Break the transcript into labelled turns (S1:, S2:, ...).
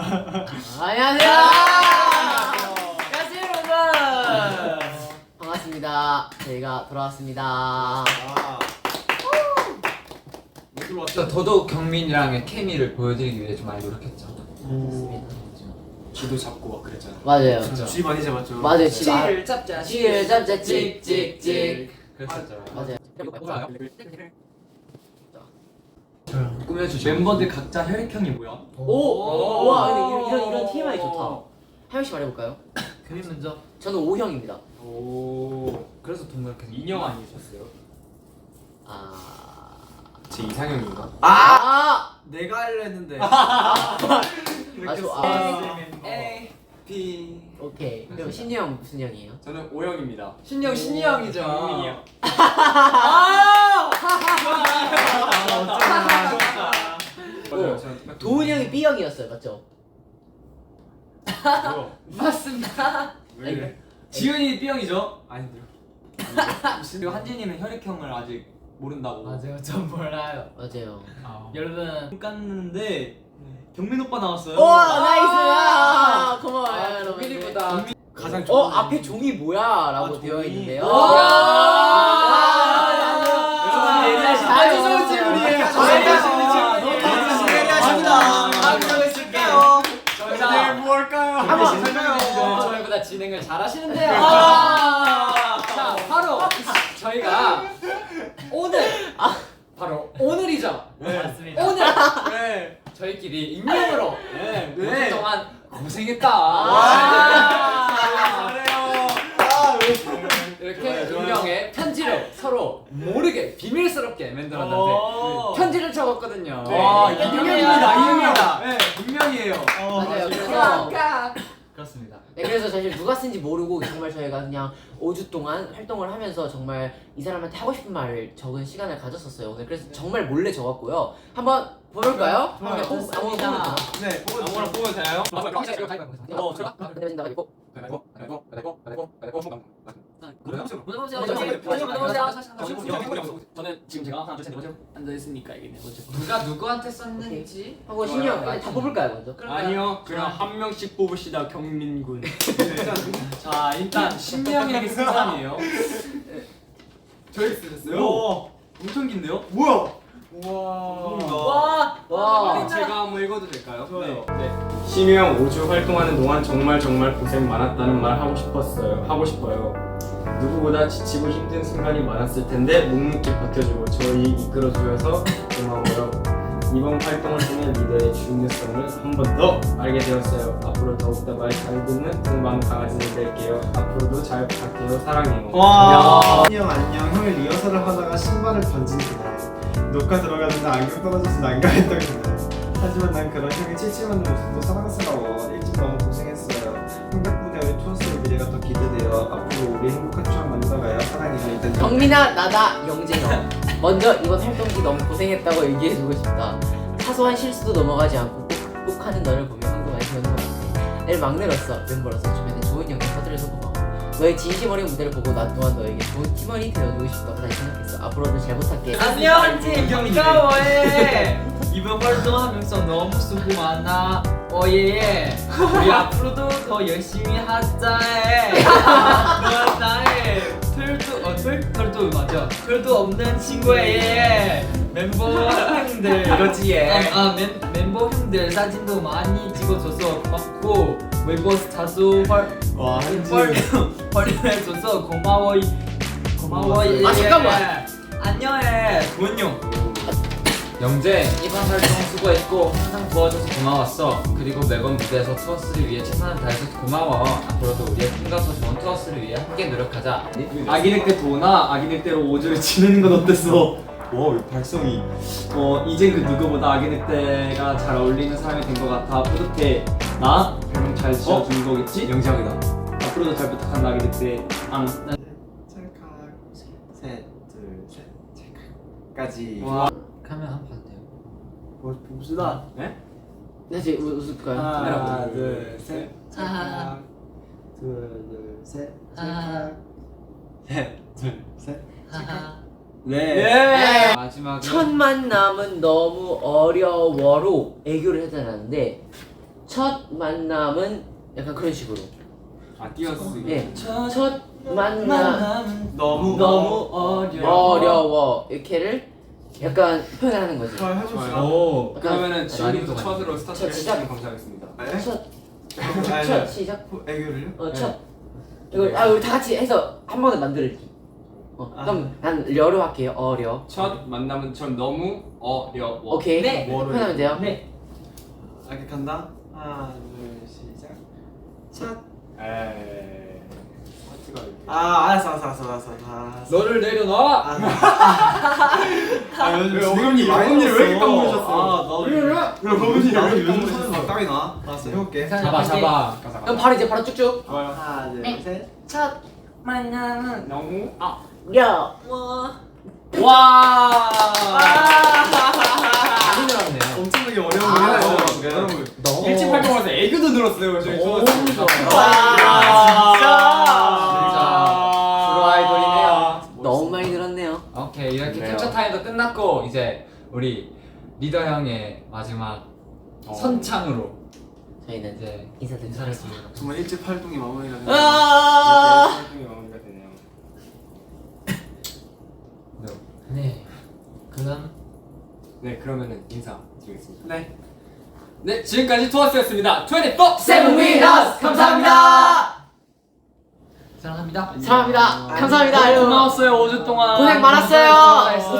S1: 안녕하세요. 안녕하세요 여러분. 반갑습니다. 저희가 돌아왔습니다.
S2: 더더욱 경민이랑의 케미를 보여드리기 위해 좀 많이 노력했죠.
S1: 맞습니다.
S3: 쥐도 잡고 막 그랬잖아.
S1: 맞아요.
S3: 쥐 많이 잡았죠.
S1: 맞아요.
S2: 쥐를 잡자.
S1: 쥐를 잡자 찍찍찍.
S2: 그랬었죠.
S1: 맞아요.
S2: 꾸며주죠.
S3: 멤버들 각자 혈액형이 뭐야?
S1: 오. 와 근데 이런 TMI 좋다. 한 명씩 말해볼까요?
S2: 경민 먼저.
S1: 저는 O형입니다.
S3: 오.
S2: 그래서 동그랗게
S3: 인형 아니셨어요?
S2: 제 이상형인가?
S3: 내가 하려 했는데.
S2: A B.
S1: 오케이. 그럼 신유 형 무슨 형이에요?
S3: 저는 O형입니다.
S2: 신영 신이 형이죠.
S3: 경민이요.
S1: 도훈이 형이 B형이었어요, 맞죠?
S2: 맞습니다.
S3: 왜 이래?
S2: 지훈이 B형이죠.
S3: 아닌데요.
S2: 그리고 한진이는 혈액형을 아직 모른다고.
S4: 맞아요, 전 몰라요.
S1: 맞아요.
S4: 여러분 눈 깠는데 경민 오빠 나왔어요.
S1: 오 나이스. 고마워요 여러분.
S2: 경민이보다
S3: 가장 좋은
S1: 앞에 종이 뭐야?라고 되어
S4: 종이.
S1: 있는데요.
S4: 아주 좋은 질문이에요.
S3: 저희가 뭘까요?
S1: 한번
S2: 저희보다 진행을 잘하시는데요. 자, 바로 저희가 오늘 바로 오늘이죠.
S4: 맞습니다.
S2: 오늘
S3: 네.
S2: 저희끼리 익명으로
S3: 네.
S2: 5주 동안 고생했다.
S3: 잘해요.
S2: 이렇게 익명의 편지를 서로 모르게 비밀스럽게 멤버들한테 편지를 적었거든요.
S3: 익명입니다. 네, 익명이에요.
S1: 맞아요. 그래서
S4: 그렇습니다.
S1: 네, 그래서 사실 누가 쓴지 모르고 정말 저희가 그냥 5주 동안 활동을 하면서 정말 이 사람한테 하고 싶은 말을 적은 시간을 가졌었어요 오늘. 그래서 정말 몰래 적었고요. 한번 볼까요?
S4: 좋아요.
S1: 아무거나 보면
S3: 네,
S2: 아무거나 보면 돼요.
S4: 저는 지금 제가 하나 둘셋 앉아 있으니까 이게 네 번째.
S2: 누가 누구한테 썼는지
S1: 하고 신유 다 뽑을까요 먼저?
S3: 아니요, 그럼 한 명씩 뽑읍시다, 경민군.
S2: 자 일단 신명에게 쓴 사람이에요.
S3: 저희 쓰셨어요?
S4: 오, 엄청 긴데요?
S3: 뭐야?
S1: 와.
S3: 제가 한번 읽어도 될까요? 네. 심형 5주 활동하는 동안 정말 고생 많았다는 말 하고 싶어요. 누구보다 지치고 힘든 순간이 많았을 텐데 묵묵히 버텨주고 저희 이끌어주셔서 고마워요. 이번 활동을 통해 리더의 중요성을 한 번 더 알게 되었어요. 앞으로 더욱더 말 잘 듣는 동방 강아지를 될게요. 앞으로도 잘 부탁해요. 사랑해요.
S5: 안녕 형이 리허설을 하다가 신발을 던진 그날 녹화 들어가는데 안경 떨어져서 난감했던 그날 하지만 난 그런 형의 칠칠맞는 모습도 사랑스러워. 일찍 너무 고생했어요. 행복 무대 우리 투어스의 미래가 더 기대돼요. 앞으로 우리 행복한 추억 만들어가요. 사랑해요. 일단
S1: 경민아 나다 영재형. 먼저 이번 활동기 너무 고생했다고 얘기해주고 싶다. 사소한 실수도 넘어가지 않고 꼭 극복하는 너를 보며 한동안 배우는 것 같아. 내일 막내로서 멤버로서 주변에 좋은 영향 퍼뜨려서 고마워. 너의 진심 어린 무대를 보고 나 또한 너에게 좋은 팀원이 되어주고 싶다고 다시 생각했어. 앞으로도 잘 부탁해.
S4: 안녕 팀 반가워해. 이번 활동하면서 너무 수고 많아. 오예. 우리 앞으로도 더 열심히 하자해. 넌 나의 털도 맞아. 털도 없는 친구예. 멤버 형들
S2: 이거지 얘.
S4: 멤버 형들 사진도 많이 찍어줘서 고맙고 웨이버 자주 활용해줘서 고마워.
S1: 아, 잠깐만.
S4: 안녕해 도은형.
S2: 영재 이번 활동 수고했고 항상 도와줘서 고마웠어. 그리고 매번 무대에서 투어스를 위해 최선을 다해서 고마워. 앞으로도 우리의 꿈과 더 좋은 투어스를 위해 함께 노력하자.
S3: 아기들 때 도나 아기들 때로 5주를 지내는 건 어땠어? 와, 발성이 이젠 그 누구보다 아기들 때가 잘 어울리는 사람이 된 것 같아. 뿌듯해. 나 별명 잘 지어주는 거겠지?
S2: 영재 형이다.
S3: 앞으로도 잘 부탁한다 아기들 때. 앙.
S5: 찰칵 셋, 둘, 셋, 찰칵까지.
S3: 와.
S2: 카메라 한번 봐도 돼요?
S3: 봅시다. 네?
S1: 다시 웃을까요?
S3: 하나, 둘, 셋.
S4: 하하.
S5: 둘, 셋,
S4: 하하.
S5: 셋, 둘, 셋.
S4: 하하.
S3: 네.
S2: 마지막에
S1: 첫 만남은 너무 어려워로 애교를 해달라는데 첫 만남은 약간 그런 식으로.
S3: 아 띄어쓰기.
S1: 예. 첫 만남
S5: 너무
S1: 너무 어려워 이렇게를 약간 표현을 하는 거지.
S5: 잘 해봅시다.
S2: 오.
S3: 그러면은 지금부터
S2: 많이
S3: 첫으로 스타트를
S1: 첫 시작.
S3: 해주시면 감사하겠습니다.
S5: 네?
S1: 첫
S5: 아니,
S1: 첫 시작.
S5: 애교를요?
S1: 첫. 이거 우리 다 같이 해서 한 번에 만들기. 그럼 난 려로 할게요. 어려.
S3: 첫 만남은 전 너무 어려워.
S1: 오케이.
S4: 네.
S1: 표현하면 돼요.
S4: 네.
S5: 이렇게 간다. 하나, 둘, 시작. 첫.
S3: 에이. 파트가 이렇게.
S5: 알았어.
S2: 너를 내려놔.
S5: 어금니
S3: 어금니를 왜 이렇게 딱
S5: 아, 나 거금니 나도 요즘 손에 막 땀이 나. 알았어, 해볼게.
S2: 잡아 잡아.
S1: 그럼 바로 이제 바로 쭉쭉.
S3: 좋아요.
S5: 하나, 둘, 셋.
S4: 첫 만남은
S3: 너무
S1: 려.
S2: 와. 많이 늘었네요.
S5: 엄청나게 어려운 거
S1: 아,
S5: 해놨어요.
S3: 여러분
S1: 너무
S3: 일찍 활동해서 애교도 늘었어요. 저희 초등학생.
S1: 진짜. 프로 아이돌이네요. 너무 많이 늘었네요.
S2: 오케이 이렇게
S3: 좋네요.
S2: 캡처 타임도 끝났고 이제 우리 리더 형의 마지막 선창으로
S1: 저희는
S2: 이제
S1: 인사드리겠습니다.
S2: 인사를
S5: 정말 일찍 활동이 마무리가 되네요.
S1: 아.
S3: 이렇게 활동이 마무리가 되네요.
S2: 네. 그럼
S3: 네 그러면은 인사 드리겠습니다.
S5: 네.
S3: 네 지금까지 투어스였습니다. 24
S1: 세븐 위너스 감사합니다.
S4: 사랑합니다.
S1: 사랑합니다. 감사합니다. 여러분.
S4: 고마웠어요 5주 동안.
S1: 고생 많았어요.